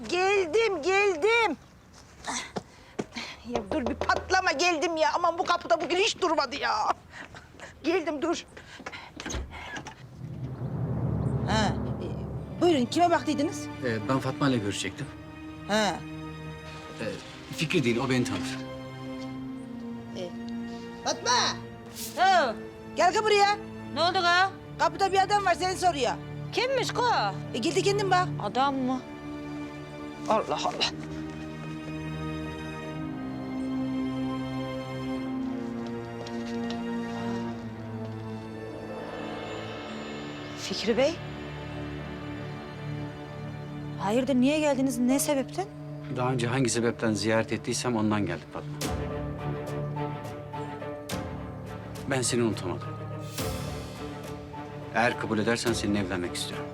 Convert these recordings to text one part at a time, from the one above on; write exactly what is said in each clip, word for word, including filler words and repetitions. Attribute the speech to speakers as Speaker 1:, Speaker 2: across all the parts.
Speaker 1: Geldim, geldim. Ya dur bir patlama geldim ya. Aman bu kapıda bugün hiç durmadı ya. Geldim dur. Ha, e, buyurun kime baktıydınız?
Speaker 2: Ee, ben Fatma ile görüşecektim.
Speaker 1: Ha.
Speaker 2: Ee, Fikri değil, o beni tanır.
Speaker 1: Fatma,
Speaker 3: Ha,
Speaker 1: gel ki buraya.
Speaker 3: ne oldu ka?
Speaker 1: Kapıda bir adam var seni soruyor.
Speaker 3: Kimmiş ka?
Speaker 1: E, gel de kendin bak.
Speaker 3: Adam mı?
Speaker 1: Allah Allah.
Speaker 3: Fikri Bey. Hayırdır, niye geldiniz? Ne sebepten?
Speaker 2: Daha önce hangi sebepten ziyaret ettiysem ondan geldim Fatma. Ben seni unutamadım. Eğer kabul edersen seninle evlenmek istiyorum.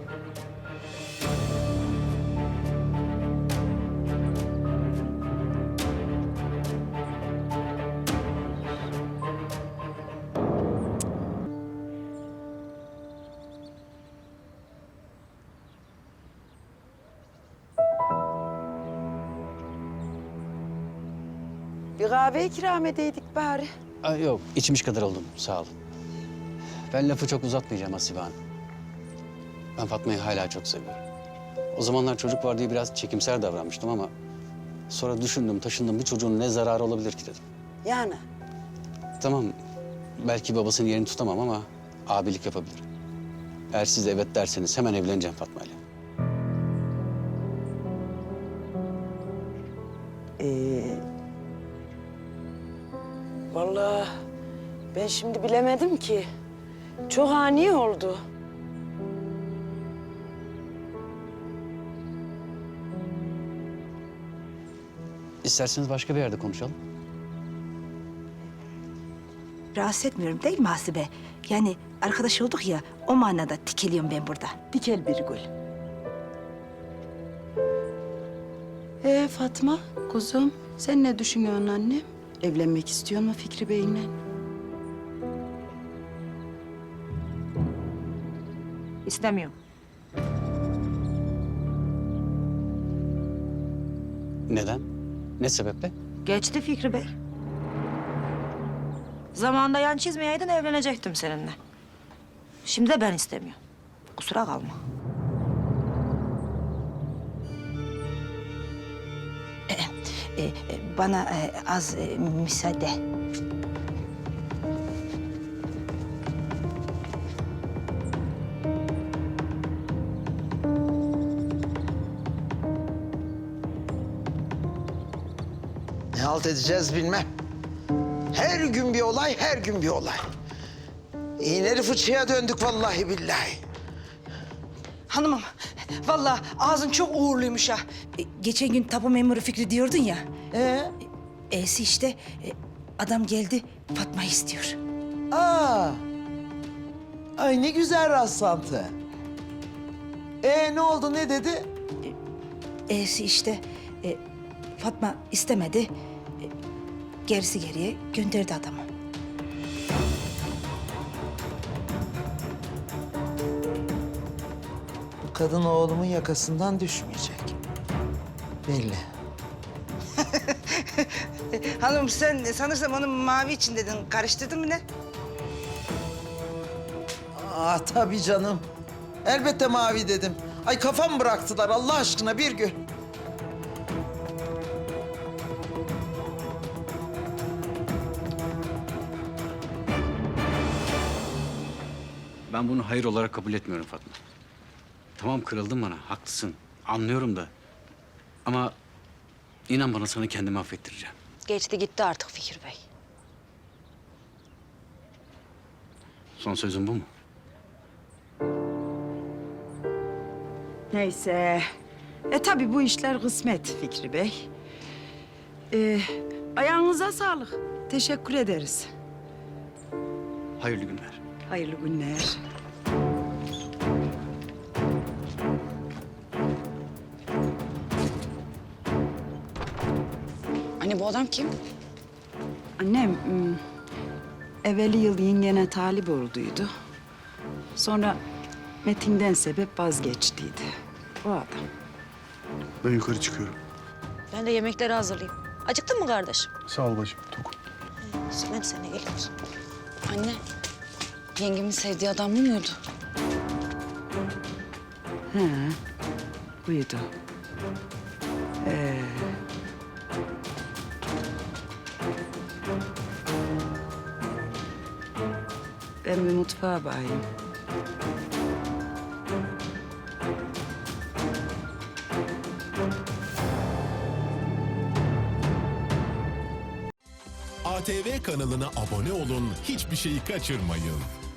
Speaker 4: Bir kahve ikram edeydik bari.
Speaker 2: Aa, yok, içmiş kadar oldum. Sağ olun. Ben lafı çok uzatmayacağım Hasibe Hanım. Ben Fatma'yı hala çok seviyorum. O zamanlar çocuk var diye biraz çekimser davranmıştım ama... sonra düşündüm, taşındım. Bu çocuğun ne zararı olabilir ki dedim.
Speaker 4: Yani
Speaker 2: Tamam, belki babasının yerini tutamam ama abilik yapabilirim. Eğer siz de evet derseniz hemen evleneceğim Fatma'yla.
Speaker 4: ee, vallahi ben şimdi bilemedim ki. Çok ani oldu.
Speaker 2: İsterseniz başka bir yerde konuşalım.
Speaker 1: Rahatsız etmiyorum değil mi Hasibe? Yani arkadaş olduk ya, o manada tikeliyorum ben burada.
Speaker 4: Dikel bir gül. Ee Fatma, kuzum sen ne düşünüyorsun annem? Evlenmek istiyor mu Fikri Bey'le?
Speaker 3: İstemiyorum.
Speaker 2: Neden? Ne sebeple?
Speaker 3: Geçti Fikri Bey. Zamanında yan çizmeyeydin, evlenecektim seninle. Şimdi de ben istemiyorum. Kusura kalma.
Speaker 1: E, e, bana e, az e, müsaade.
Speaker 5: Ne halt edeceğiz bilmem. Her gün bir olay, her gün bir olay. İğneli fıçıya döndük vallahi billahi.
Speaker 1: Hanımım, vallahi ağzın çok uğurluymuş ha. E, geçen gün tapu memuru Fikri diyordun ya.
Speaker 5: Ee?
Speaker 1: E'si işte, e, adam geldi, Fatma'yı istiyor.
Speaker 5: Aa. Ay ne güzel rastlantı. Ee ne oldu, ne dedi?
Speaker 1: E'si işte, e, Fatma istemedi. E, gerisi geriye gönderdi adamı.
Speaker 5: Bu kadın oğlumun yakasından düşmeyecek. Belli.
Speaker 1: Hanım sen sanırsam onu mavi için dedin. Karıştırdın mı ne?
Speaker 5: Aa tabii canım. Elbette mavi dedim. Ay kafam bıraktılar Allah aşkına bir gün.
Speaker 2: Ben bunu hayır olarak kabul etmiyorum Fatma. Tamam, kırıldın bana, haklısın. Anlıyorum da. Ama inan bana, sana kendimi affettireceğim.
Speaker 3: Geçti gitti artık Fikri Bey.
Speaker 2: Son sözün bu mu?
Speaker 4: Neyse. E tabii bu işler kısmet Fikri Bey. Ee, ayağınıza sağlık. Teşekkür ederiz.
Speaker 2: Hayırlı günler.
Speaker 4: Hayırlı günler.
Speaker 6: Anne bu adam kim?
Speaker 4: Annem, hmm, evveli yıl yengene talip olduydu. Sonra Metin'den sebep vazgeçtiydi. O adam.
Speaker 6: Ben yukarı çıkıyorum.
Speaker 3: Ben de yemekleri hazırlayayım. Acıktın mı kardeşim?
Speaker 6: Sağ ol bacım. Tokum.
Speaker 3: Ben sana geliyorum.
Speaker 7: Anne, yengemin sevdiği adam bu muydu?
Speaker 4: Buydu. Ee, ben bir mutfağa bakayım.
Speaker 8: A T V kanalına abone olun, hiçbir şeyi kaçırmayın.